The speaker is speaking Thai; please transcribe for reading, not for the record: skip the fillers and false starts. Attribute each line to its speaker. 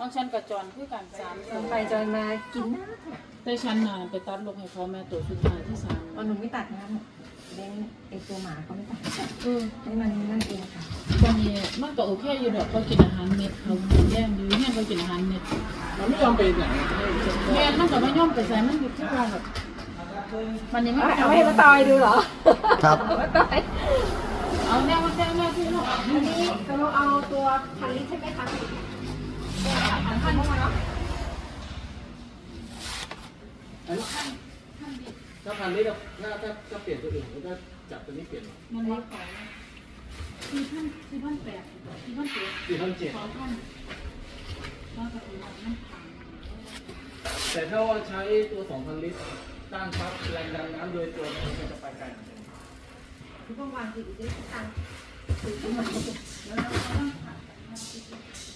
Speaker 1: ต้องฉันกับจอนคือกัน3
Speaker 2: ไปจอยมากินนะ
Speaker 1: แต่ฉันน่ะไปตัดลกให้เขาแม่ตัวสุดท้ายที่3
Speaker 2: หนูไม่ตัดนะเลี้ยงไอตัวหมาเขาไม่ตัดให้มันนั่นเองค่ะ
Speaker 1: ตอนนี้มันก็โอเคอยู่ดอกเขากินอาหารเม็ดเขาแย่งอยู่เนี่ยเขากินอาหารเม็ด
Speaker 3: มันไม่ยอมไปไหน
Speaker 1: แม่มันก็ไม่ย่อมไปใส่มันอยู่ที่ว่าแบบมันยังไม่
Speaker 2: เอาให้มาตอยดูเหรอ
Speaker 4: ครับ
Speaker 2: มาตอย
Speaker 1: เอาแน่ว่าแน่ว่าที่เรา
Speaker 2: อันนี้เราเอาตัวพันลิตรใช่ไหมคะพันเข้ามาเนาะ
Speaker 3: ถ้าพันนี้เราถ้าเปลี่ยนตัวอื่นแล้วก็จับตัวนี้เปลี่ยน
Speaker 1: มันร้อยกว่า4,800
Speaker 3: 4,700
Speaker 1: 2,000แล้วก็ถือว่ามันพัง
Speaker 3: แต่ถ้าว่าใช้ตัว 2,000 ลิตรตั้งปั๊บแรงดันน้ำโดยตัวมันก็จะไปไกล
Speaker 2: คือต้องวางถือด้วยตัง
Speaker 1: แล้วเราก็ต้อง